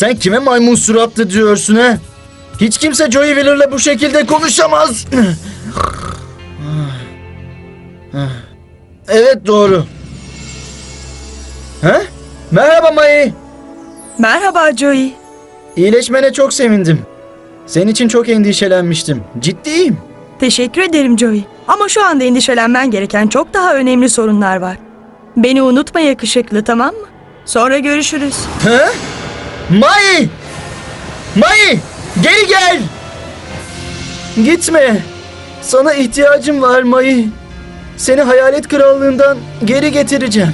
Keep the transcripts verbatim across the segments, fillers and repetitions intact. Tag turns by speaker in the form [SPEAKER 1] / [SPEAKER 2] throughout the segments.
[SPEAKER 1] Sen kime maymun suratlı diyorsun ha? Hiç kimse Joey Wheeler'la bu şekilde konuşamaz. Evet, doğru. Ha? Merhaba Mai.
[SPEAKER 2] Merhaba Joey.
[SPEAKER 1] İyileşmene çok sevindim. Senin için çok endişelenmiştim. Ciddiyim.
[SPEAKER 2] Teşekkür ederim Joey. Ama şu anda endişelenmen gereken çok daha önemli sorunlar var. Beni unutma yakışıklı, tamam mı? Sonra görüşürüz.
[SPEAKER 1] Ha? Mai! Mai! Geri gel! Gitme. Sana ihtiyacım var Mai. Seni Hayalet Krallığından geri getireceğim.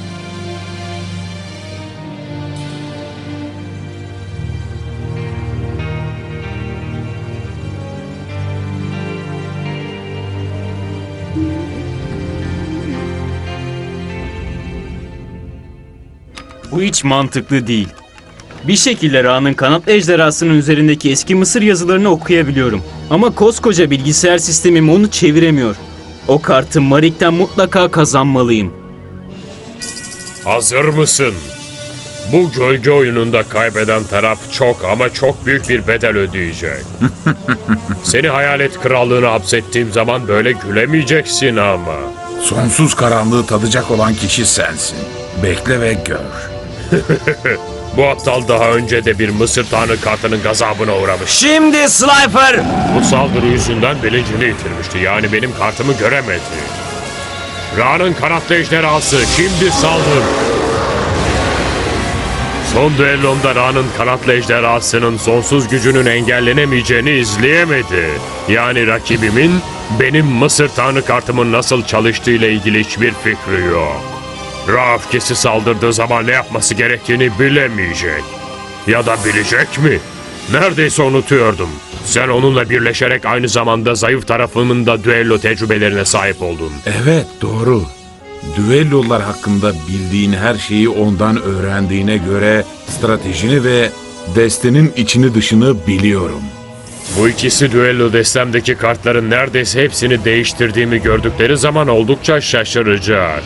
[SPEAKER 3] Bu hiç mantıklı değil. Bir şekilde Ra'nın kanat ejderhasının üzerindeki eski Mısır yazılarını okuyabiliyorum. Ama koskoca bilgisayar sistemim onu çeviremiyor. O kartı Marik'ten mutlaka kazanmalıyım.
[SPEAKER 4] Hazır mısın? Bu gölge oyununda kaybeden taraf çok ama çok büyük bir bedel ödeyecek. Seni Hayalet Krallığı'na hapsettiğim zaman böyle gülemeyeceksin ama.
[SPEAKER 5] Sonsuz karanlığı tadacak olan kişi sensin. Bekle ve gör.
[SPEAKER 4] Bu aptal daha önce de bir Mısır Tanrı kartının gazabına uğramış.
[SPEAKER 3] Şimdi Slifer!
[SPEAKER 4] Bu saldırı yüzünden bilincini yitirmişti. Yani benim kartımı göremedi. Ra'nın kanatlı ejderhası şimdi saldır. Son düellomda Ra'nın kanatlı ejderhasının sonsuz gücünün engellenemeyeceğini izleyemedi. Yani rakibimin benim Mısır Tanrı kartımın nasıl çalıştığıyla ilgili hiçbir fikri yok. Ra öfkesi saldırdığı zaman ne yapması gerektiğini bilemeyecek. Ya da bilecek mi? Neredeyse unutuyordum. Sen onunla birleşerek aynı zamanda zayıf tarafımın da düello tecrübelerine sahip oldun.
[SPEAKER 5] Evet, doğru. Düellolar hakkında bildiğin her şeyi ondan öğrendiğine göre stratejini ve destenin içini dışını biliyorum.
[SPEAKER 4] Bu ikisi düello destemdeki kartların neredeyse hepsini değiştirdiğimi gördükleri zaman oldukça şaşıracak.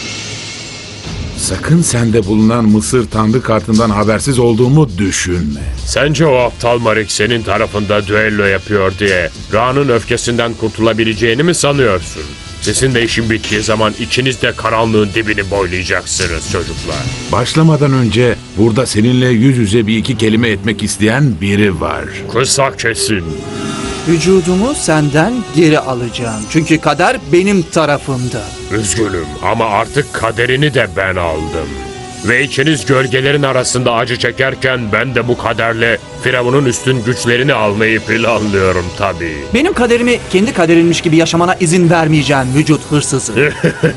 [SPEAKER 5] Sakın sende bulunan Mısır Tanrı kartından habersiz olduğumu düşünme.
[SPEAKER 4] Sence o aptal Marik senin tarafında düello yapıyor diye Ra'nın öfkesinden kurtulabileceğini mi sanıyorsun? Sizin de işin bittiği zaman ikiniz de karanlığın dibini boylayacaksınız çocuklar.
[SPEAKER 5] Başlamadan önce burada seninle yüz yüze bir iki kelime etmek isteyen biri var.
[SPEAKER 4] Kısa kesin.
[SPEAKER 6] Vücudumu senden geri alacağım. Çünkü kader benim tarafımda.
[SPEAKER 4] Üzgünüm ama artık kaderini de ben aldım. Ve ikiniz gölgelerin arasında acı çekerken ben de bu kaderle Firavun'un üstün güçlerini almayı planlıyorum tabii.
[SPEAKER 6] Benim kaderimi kendi kaderinmiş gibi yaşamana izin vermeyeceğim vücut hırsızı.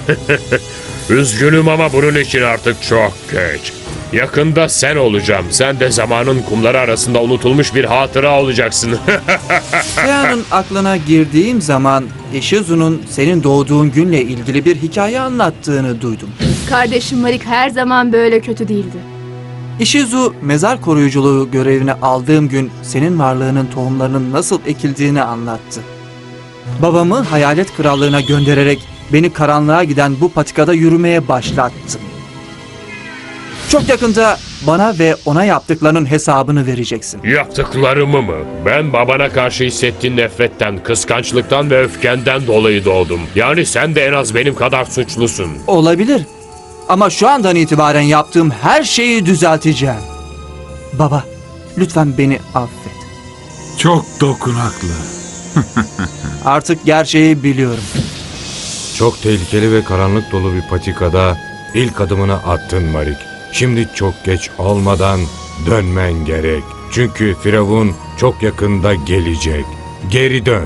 [SPEAKER 4] Üzgünüm ama bunun için artık çok geç. Yakında sen olacağım. Sen de zamanın kumları arasında unutulmuş bir hatıra olacaksın.
[SPEAKER 6] Ra'nın aklına girdiğim zaman Ishizu'nun senin doğduğun günle ilgili bir hikaye anlattığını duydum.
[SPEAKER 7] Kardeşim Marik her zaman böyle kötü değildi.
[SPEAKER 6] Ishizu mezar koruyuculuğu görevine aldığım gün senin varlığının tohumlarının nasıl ekildiğini anlattı. Babamı Hayalet Krallığı'na göndererek beni karanlığa giden bu patikada yürümeye başlattı. Çok yakında bana ve ona yaptıklarının hesabını vereceksin.
[SPEAKER 4] Yaptıklarımı mı? Ben babana karşı hissettiğin nefretten, kıskançlıktan ve öfkenden dolayı doğdum. Yani sen de en az benim kadar suçlusun.
[SPEAKER 6] Olabilir. Ama şu andan itibaren yaptığım her şeyi düzelteceğim. Baba, lütfen beni affet.
[SPEAKER 5] Çok dokunaklı.
[SPEAKER 6] Artık gerçeği biliyorum.
[SPEAKER 8] Çok tehlikeli ve karanlık dolu bir patikada ilk adımını attın Marik. Şimdi çok geç olmadan dönmen gerek. Çünkü Firavun çok yakında gelecek. Geri dön.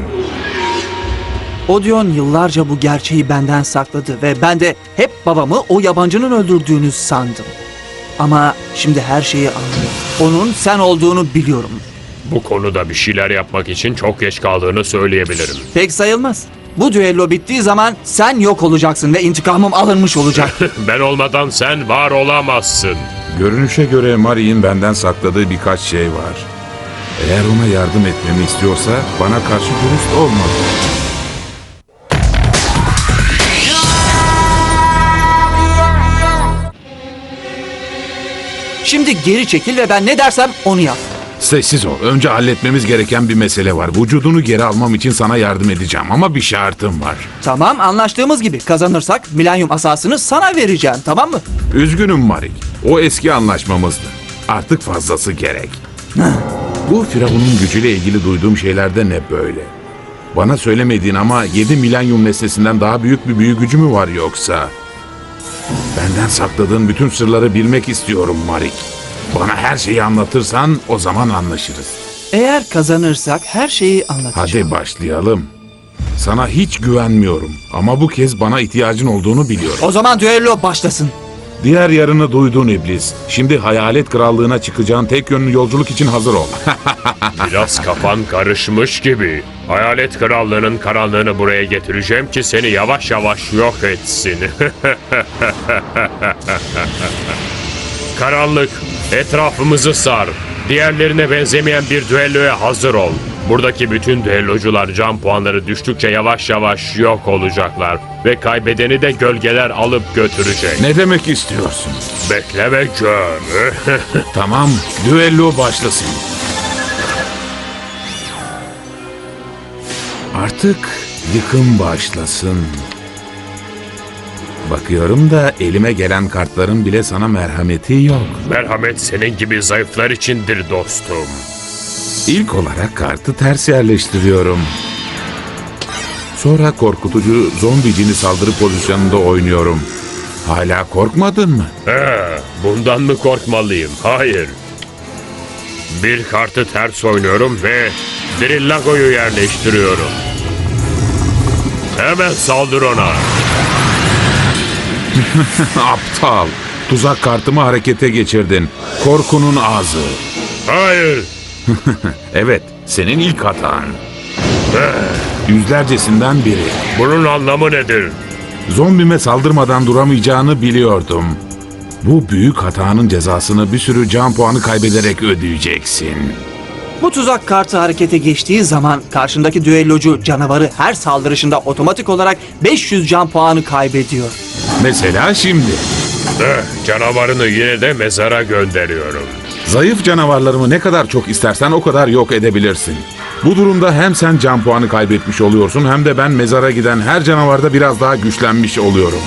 [SPEAKER 6] Odeon yıllarca bu gerçeği benden sakladı ve ben de hep babamı o yabancının öldürdüğünü sandım. Ama şimdi her şeyi anlıyorum. Onun sen olduğunu biliyorum.
[SPEAKER 4] Bu konuda bir şeyler yapmak için çok geç kaldığını söyleyebilirim.
[SPEAKER 6] Pek sayılmaz. Bu düello bittiği zaman sen yok olacaksın ve intikamım alınmış olacak.
[SPEAKER 4] Ben olmadan sen var olamazsın.
[SPEAKER 5] Görünüşe göre Mari'nin benden sakladığı birkaç şey var. Eğer ona yardım etmemi istiyorsa bana karşı dürüst olmalı.
[SPEAKER 6] Şimdi geri çekil ve ben ne dersem onu yap.
[SPEAKER 5] Sessiz ol. Önce halletmemiz gereken bir mesele var. Vücudunu geri almam için sana yardım edeceğim ama bir şartım var.
[SPEAKER 6] Tamam, anlaştığımız gibi kazanırsak milenyum asasını sana vereceğim, tamam mı?
[SPEAKER 5] Üzgünüm Marik. O eski anlaşmamızdı. Artık fazlası gerek. Bu Firavun'un gücüyle ilgili duyduğum şeylerde ne böyle? Bana söylemediğin ama yedi milenyum nesnesinden daha büyük bir büyü gücü mü var yoksa? Benden sakladığın bütün sırları bilmek istiyorum Marik. Bana her şeyi anlatırsan o zaman anlaşırız.
[SPEAKER 6] Eğer kazanırsak her şeyi anlatacağım.
[SPEAKER 5] Hadi başlayalım. Sana hiç güvenmiyorum ama bu kez bana ihtiyacın olduğunu biliyorum.
[SPEAKER 6] O zaman düello başlasın.
[SPEAKER 5] Diğer yarını duydun iblis. Şimdi Hayalet Krallığına çıkacağın tek yönlü yolculuk için hazır ol.
[SPEAKER 4] Biraz kafan karışmış gibi. Hayalet Krallığı'nın karanlığını buraya getireceğim ki seni yavaş yavaş yok etsin. Karanlık, etrafımızı sar. Diğerlerine benzemeyen bir düelloya hazır ol. Buradaki bütün düellocular can puanları düştükçe yavaş yavaş yok olacaklar. Ve kaybedeni de gölgeler alıp götürecek.
[SPEAKER 5] Ne demek istiyorsun?
[SPEAKER 4] Bekle ve gör.
[SPEAKER 5] Tamam, düello başlasın. Artık yıkım başlasın. Bakıyorum da elime gelen kartların bile sana merhameti yok.
[SPEAKER 4] Merhamet senin gibi zayıflar içindir dostum.
[SPEAKER 5] İlk olarak kartı ters yerleştiriyorum. Sonra korkutucu zombi cini saldırı pozisyonunda oynuyorum. Hala korkmadın mı?
[SPEAKER 4] He, bundan mı korkmalıyım? Hayır. Bir kartı ters oynuyorum ve Drillago'yu yerleştiriyorum. Hemen saldır ona.
[SPEAKER 5] Aptal. Tuzak kartımı harekete geçirdin. Korkunun ağzı.
[SPEAKER 4] Hayır.
[SPEAKER 5] Evet, senin ilk hatan. Yüzlercesinden biri.
[SPEAKER 4] Bunun anlamı nedir?
[SPEAKER 5] Zombime saldırmadan duramayacağını biliyordum. Bu büyük hatanın cezasını bir sürü can puanı kaybederek ödeyeceksin.
[SPEAKER 6] Bu tuzak kartı harekete geçtiği zaman karşındaki düellocu canavarı her saldırışında otomatik olarak beş yüz can puanı kaybediyor.
[SPEAKER 5] Mesela şimdi.
[SPEAKER 4] Eh, canavarını yine de mezara gönderiyorum.
[SPEAKER 5] Zayıf canavarlarımı ne kadar çok istersen o kadar yok edebilirsin. Bu durumda hem sen can puanı kaybetmiş oluyorsun hem de ben mezara giden her canavarda biraz daha güçlenmiş oluyorum.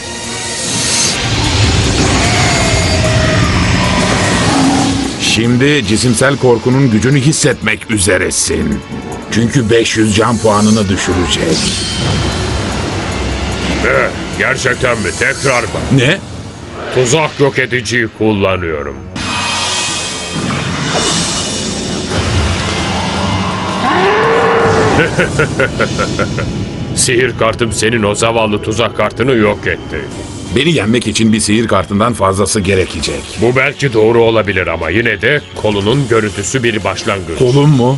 [SPEAKER 5] Şimdi cisimsel korkunun gücünü hissetmek üzeresin. Çünkü beş yüz can puanını düşürecek.
[SPEAKER 4] Eh, gerçekten mi? Tekrar bak.
[SPEAKER 5] Ne?
[SPEAKER 4] Tuzak yok ediciyi kullanıyorum. Sihir kartım senin o zavallı tuzak kartını yok etti.
[SPEAKER 5] Beni yenmek için bir sihir kartından fazlası gerekecek.
[SPEAKER 4] Bu belki doğru olabilir ama yine de kolunun görüntüsü bir başlangıç.
[SPEAKER 5] Kolum mu?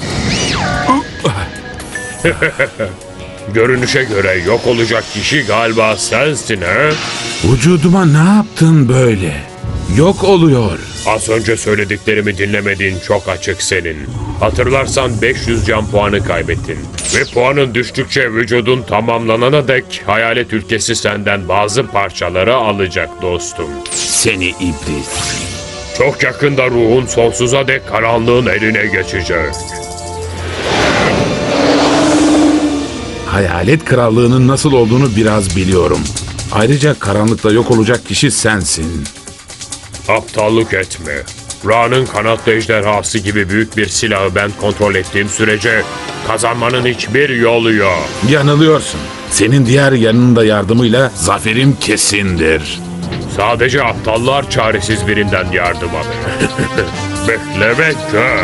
[SPEAKER 4] Görünüşe göre yok olacak kişi galiba sensin he?
[SPEAKER 5] Vücuduma ne yaptın böyle? Yok oluyor.
[SPEAKER 4] Az önce söylediklerimi dinlemediğin çok açık senin. Hatırlarsan beş yüz can puanı kaybettin. Ve puanın düştükçe vücudun tamamlanana dek hayalet ülkesi senden bazı parçaları alacak dostum.
[SPEAKER 5] Seni iblis.
[SPEAKER 4] Çok yakında ruhun sonsuza dek karanlığın eline geçecek.
[SPEAKER 5] Hayalet krallığının nasıl olduğunu biraz biliyorum. Ayrıca karanlıkta yok olacak kişi sensin.
[SPEAKER 4] Aptallık etme. Ra'nın kanatlı ejderhası gibi büyük bir silahı ben kontrol ettiğim sürece kazanmanın hiçbir yolu yok.
[SPEAKER 5] Yanılıyorsun. Senin diğer yanında yardımıyla zaferim kesindir.
[SPEAKER 4] Sadece aptallar çaresiz birinden yardım alır. Bekle ve gör.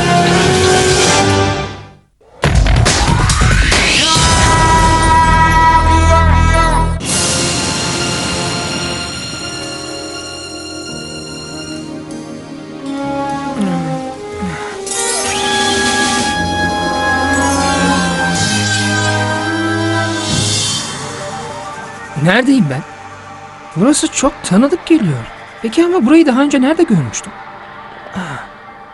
[SPEAKER 9] Neredeyim ben? Burası çok tanıdık geliyor. Peki ama burayı daha önce nerede görmüştüm? Aa.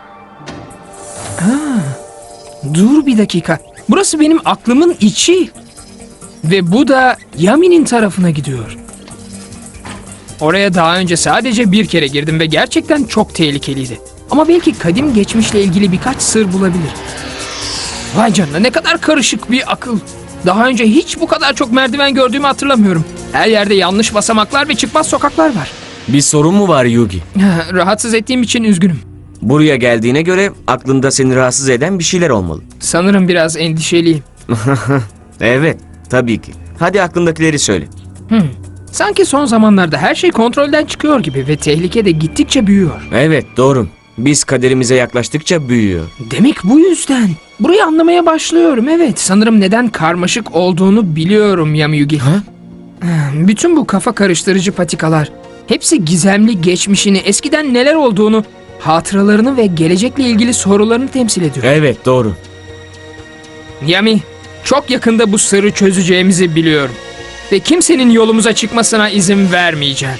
[SPEAKER 9] Aa. Dur bir dakika. Burası benim aklımın içi. Ve bu da Yami'nin tarafına gidiyor. Oraya daha önce sadece bir kere girdim ve gerçekten çok tehlikeliydi. Ama belki kadim geçmişle ilgili birkaç sır bulabilir. Vay canına, ne kadar karışık bir akıl. Daha önce hiç bu kadar çok merdiven gördüğümü hatırlamıyorum. Her yerde yanlış basamaklar ve çıkmaz sokaklar var.
[SPEAKER 10] Bir sorun mu var Yugi?
[SPEAKER 9] Rahatsız ettiğim için üzgünüm.
[SPEAKER 10] Buraya geldiğine göre aklında seni rahatsız eden bir şeyler olmalı.
[SPEAKER 9] Sanırım biraz endişeliyim.
[SPEAKER 10] Evet, tabii ki. Hadi aklındakileri söyle.
[SPEAKER 9] Hmm. Sanki son zamanlarda her şey kontrolden çıkıyor gibi ve tehlike de gittikçe büyüyor.
[SPEAKER 10] Evet, doğru. Biz kaderimize yaklaştıkça büyüyor.
[SPEAKER 9] Demek bu yüzden. Burayı anlamaya başlıyorum, evet. Sanırım neden karmaşık olduğunu biliyorum Yamiyugi.
[SPEAKER 10] Ha?
[SPEAKER 9] Bütün bu kafa karıştırıcı patikalar, hepsi gizemli geçmişini, eskiden neler olduğunu, hatıralarını ve gelecekle ilgili sorularını temsil ediyor.
[SPEAKER 10] Evet, doğru.
[SPEAKER 9] Yami, çok yakında bu sırrı çözeceğimizi biliyorum. Ve kimsenin yolumuza çıkmasına izin vermeyeceğim.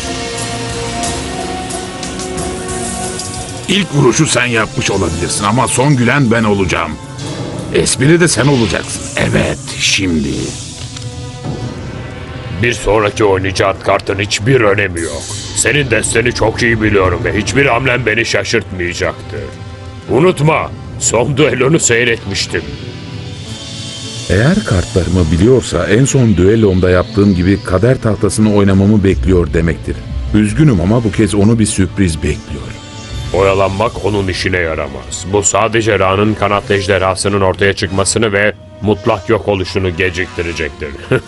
[SPEAKER 5] İlk vuruşu sen yapmış olabilirsin ama son gülen ben olacağım. Espri de sen olacaksın. Evet, şimdi.
[SPEAKER 4] Bir sonraki oynayacağın kartın hiçbir önemi yok. Senin desteni çok iyi biliyorum ve hiçbir hamlen beni şaşırtmayacaktır. Unutma, son düellonu seyretmiştim.
[SPEAKER 5] Eğer kartlarımı biliyorsa en son düellomda yaptığım gibi kader tahtasını oynamamı bekliyor demektir. Üzgünüm ama bu kez onu bir sürpriz bekliyor.
[SPEAKER 4] Oyalanmak onun işine yaramaz. Bu sadece Ra'nın kanatlı ejderhasının ortaya çıkmasını ve mutlak yok oluşunu geciktirecektir.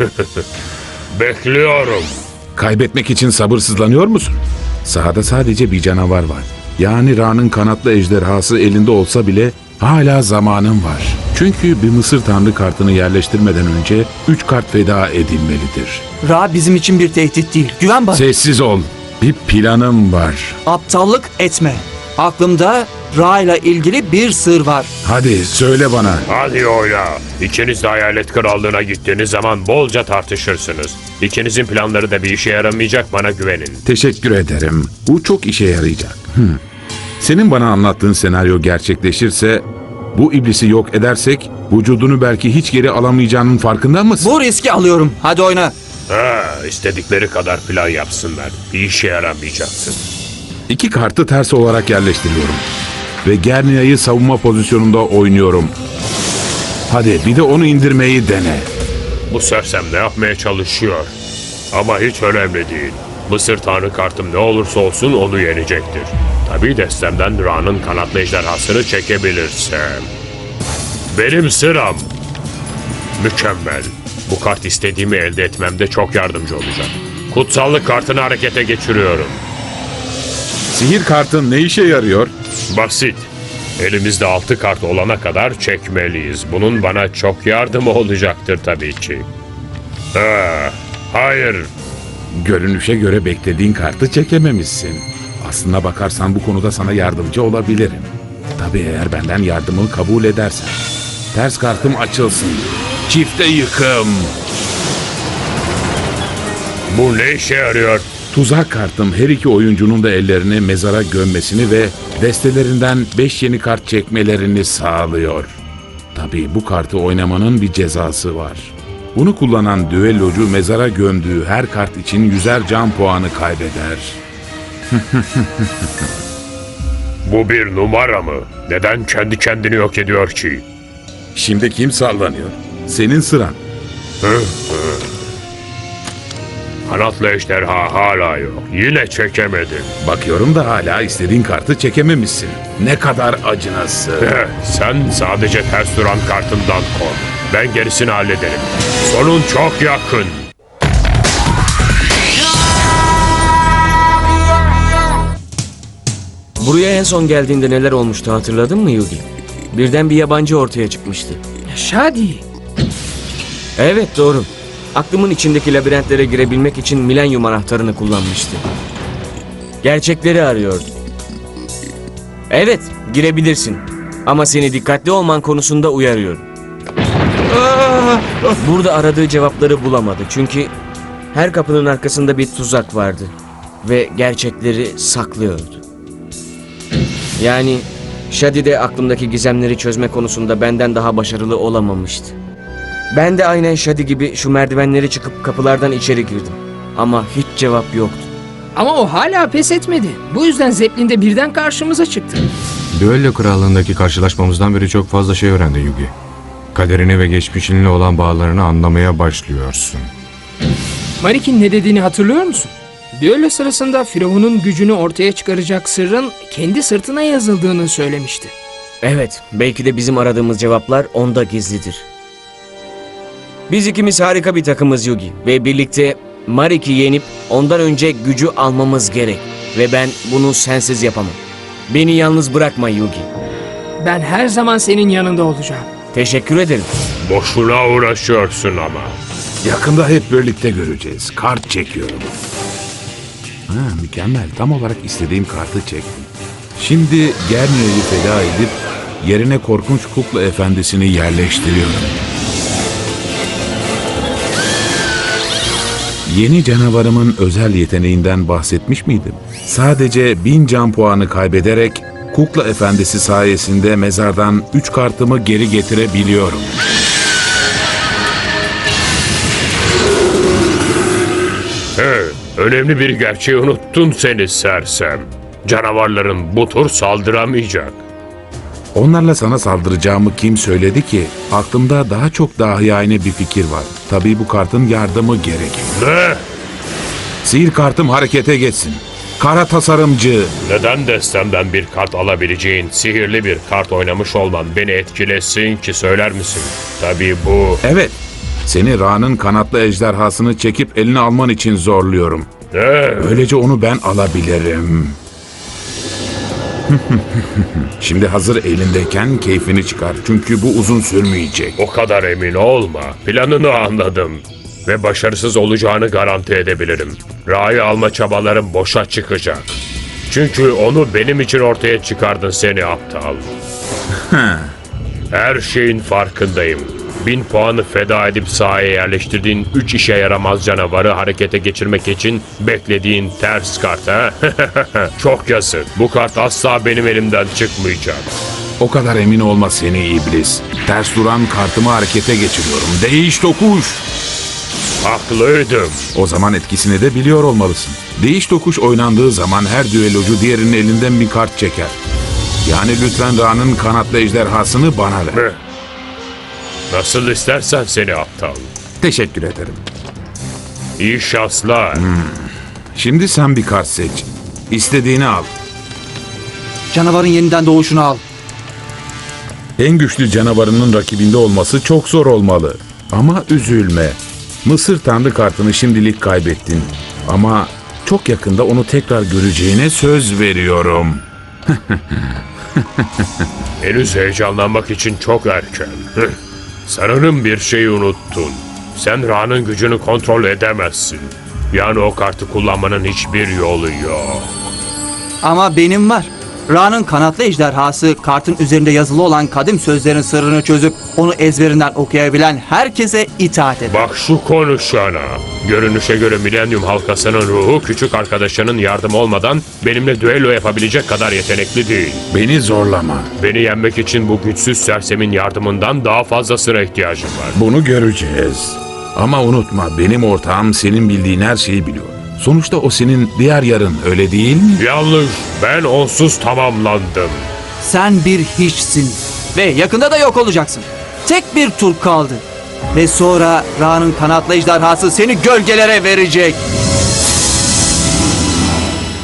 [SPEAKER 4] Bekliyorum.
[SPEAKER 5] Kaybetmek için sabırsızlanıyor musun? Sahada sadece bir canavar var. Yani Ra'nın kanatlı ejderhası elinde olsa bile hala zamanın var. Çünkü bir Mısır Tanrı kartını yerleştirmeden önce üç kart feda edilmelidir.
[SPEAKER 6] Ra bizim için bir tehdit değil. Güven bana.
[SPEAKER 5] Sessiz ol. Bir planım var.
[SPEAKER 6] Aptallık etme. Aklımda Ra ile ilgili bir sır var.
[SPEAKER 5] Hadi söyle bana.
[SPEAKER 4] Hadi oyna. İkiniz de Hayalet Krallığı'na gittiğiniz zaman bolca tartışırsınız. İkinizin planları da bir işe yaramayacak, bana güvenin.
[SPEAKER 5] Teşekkür ederim. Bu çok işe yarayacak. Hmm. Senin bana anlattığın senaryo gerçekleşirse, bu iblisi yok edersek vücudunu belki hiç geri alamayacağının farkında mısın?
[SPEAKER 6] Bu riski alıyorum. Hadi oyna.
[SPEAKER 4] Ha, istedikleri kadar plan yapsınlar. Bir işe yaramayacaksın.
[SPEAKER 5] İki kartı ters olarak yerleştiriyorum. Ve Gernia'yı savunma pozisyonunda oynuyorum. Hadi bir de onu indirmeyi dene.
[SPEAKER 4] Bu sersem ne yapmaya çalışıyor? Ama hiç önemli değil. Mısır Tanrı kartım ne olursa olsun onu yenecektir. Tabii destemden Ra'nın kanatlı ejderhasını çekebilirsem. Benim sıram. Mükemmel. Bu kart istediğimi elde etmemde çok yardımcı olacak. Kutsallık kartını harekete geçiriyorum.
[SPEAKER 5] Sihir kartın ne işe yarıyor?
[SPEAKER 4] Basit. Elimizde altı kart olana kadar çekmeliyiz. Bunun bana çok yardımı olacaktır tabii ki. Ha, hayır.
[SPEAKER 5] Görünüşe göre beklediğin kartı çekememişsin. Aslına bakarsan bu konuda sana yardımcı olabilirim. Tabii eğer benden yardımı kabul edersen. Ters kartım açılsın. Çifte yıkım.
[SPEAKER 4] Bu ne işe yarıyor?
[SPEAKER 5] Tuzak kartım her iki oyuncunun da ellerini mezara gömmesini ve destelerinden beş yeni kart çekmelerini sağlıyor. Tabii bu kartı oynamanın bir cezası var. Bunu kullanan düellocu mezara gömdüğü her kart için yüzer can puanı kaybeder.
[SPEAKER 4] Bu bir numara mı? Neden kendi kendini yok ediyor ki?
[SPEAKER 5] Şimdi kim sallanıyor? Senin sıran.
[SPEAKER 4] Kanatlı ejderha hala yok. Yine çekemedim.
[SPEAKER 5] Bakıyorum da hala istediğin kartı çekememişsin. Ne kadar acınası.
[SPEAKER 4] Eh, Sen sadece ters duran kartından kork. Ben gerisini hallederim. Sonun çok yakın.
[SPEAKER 10] Buraya en son geldiğinde neler olmuştu hatırladın mı Yugi? Birden bir yabancı ortaya çıkmıştı.
[SPEAKER 9] Şadi.
[SPEAKER 10] Evet, doğru. Aklımın içindeki labirentlere girebilmek için milenyum anahtarını kullanmıştı. Gerçekleri arıyordu. Evet, girebilirsin. Ama seni dikkatli olman konusunda uyarıyorum. Burada aradığı cevapları bulamadı. Çünkü her kapının arkasında bir tuzak vardı. Ve gerçekleri saklıyordu. Yani Shadi de aklımdaki gizemleri çözme konusunda benden daha başarılı olamamıştı. Ben de aynen Shadi gibi şu merdivenleri çıkıp kapılardan içeri girdim. Ama hiç cevap yoktu.
[SPEAKER 9] Ama o hala pes etmedi. Bu yüzden Zeppelin de birden karşımıza çıktı.
[SPEAKER 8] Düello krallığındaki karşılaşmamızdan beri çok fazla şey öğrendin Yugi. Kaderini ve geçmişinle olan bağlarını anlamaya başlıyorsun.
[SPEAKER 9] Marik'in ne dediğini hatırlıyor musun? Düello sırasında Firavun'un gücünü ortaya çıkaracak sırrın kendi sırtına yazıldığını söylemişti.
[SPEAKER 10] Evet, belki de bizim aradığımız cevaplar onda gizlidir. Biz ikimiz harika bir takımız Yugi ve birlikte Marik'i yenip ondan önce gücü almamız gerek. Ve ben bunu sensiz yapamam. Beni yalnız bırakma Yugi.
[SPEAKER 9] Ben her zaman senin yanında olacağım.
[SPEAKER 10] Teşekkür ederim.
[SPEAKER 4] Boşuna uğraşıyorsun ama.
[SPEAKER 5] Yakında hep birlikte göreceğiz. Kart çekiyorum. Ha, mükemmel. Tam olarak istediğim kartı çektim. Şimdi Gernia'yı feda edip yerine korkunç kukla efendisini yerleştiriyorum. Yeni canavarımın özel yeteneğinden bahsetmiş miydim? Sadece bin can puanı kaybederek kukla efendisi sayesinde mezardan üç kartımı geri getirebiliyorum.
[SPEAKER 4] He, önemli bir gerçeği unuttun seni sersem. Canavarların bu tur saldıramayacak.
[SPEAKER 5] Onlarla sana saldıracağımı kim söyledi ki? Aklımda daha çok dahiyane bir fikir var. Tabii bu kartın yardımı gerekir.
[SPEAKER 4] Ne?
[SPEAKER 5] Sihir kartım harekete geçsin. Kara tasarımcı.
[SPEAKER 4] Neden destemden bir kart alabileceğin sihirli bir kart oynamış olman beni etkilesin ki söyler misin? Tabii bu...
[SPEAKER 5] Evet. Seni Ra'nın kanatlı ejderhasını çekip eline alman için zorluyorum.
[SPEAKER 4] Ne?
[SPEAKER 5] Böylece onu ben alabilirim. Şimdi hazır elindeyken keyfini çıkar. Çünkü bu uzun sürmeyecek.
[SPEAKER 4] O kadar emin olma. Planını anladım. Ve başarısız olacağını garanti edebilirim. Ra'yı alma çabalarım boşa çıkacak. Çünkü onu benim için ortaya çıkardın seni aptal. Her şeyin farkındayım. Bin puanı feda edip sahaya yerleştirdiğin üç işe yaramaz canavarı harekete geçirmek için beklediğin ters kart ha? Çok yazık. Bu kart asla benim elimden çıkmayacak.
[SPEAKER 5] O kadar emin olma seni iblis. Ters duran kartımı harekete geçiriyorum. Değiş tokuş.
[SPEAKER 4] Haklıydım.
[SPEAKER 5] O zaman etkisini de biliyor olmalısın. Değiş tokuş oynandığı zaman her düellocu diğerinin elinden bir kart çeker. Yani lütfen Ra'nın kanatlı ejderhasını bana ver.
[SPEAKER 4] Ne? Nasıl istersen seni aptal.
[SPEAKER 5] Teşekkür ederim.
[SPEAKER 4] İyi şanslar.
[SPEAKER 5] Şimdi sen bir kart seç. İstediğini al.
[SPEAKER 6] Canavarın yeniden doğuşunu al.
[SPEAKER 5] En güçlü canavarının rakibinde olması çok zor olmalı. Ama üzülme. Mısır Tanrı kartını şimdilik kaybettin. Ama çok yakında onu tekrar göreceğine söz veriyorum.
[SPEAKER 4] Henüz heyecanlanmak için çok erken. Hıh. Sanırım bir şeyi unuttun. Sen Ra'nın gücünü kontrol edemezsin. Yani o kartı kullanmanın hiçbir yolu yok.
[SPEAKER 6] Ama benim var. Ra'nın kanatlı ejderhası kartın üzerinde yazılı olan kadim sözlerin sırrını çözüp onu ezberinden okuyabilen herkese itaat eder.
[SPEAKER 4] Bak şu konuşana. Görünüşe göre Milenyum halkasının ruhu küçük arkadaşının yardım olmadan benimle düello yapabilecek kadar yetenekli değil.
[SPEAKER 5] Beni zorlama.
[SPEAKER 4] Beni yenmek için bu güçsüz sersemin yardımından daha fazlasına ihtiyacım var.
[SPEAKER 5] Bunu göreceğiz. Ama unutma, benim ortağım senin bildiğin her şeyi biliyor. Sonuçta o senin diğer yarın, öyle değil mi?
[SPEAKER 4] Yanlış. Ben onsuz tamamlandım.
[SPEAKER 6] Sen bir hiçsin ve yakında da yok olacaksın. Tek bir tur kaldı. Ve sonra Ra'nın kanatlı ejderhası seni gölgelere verecek.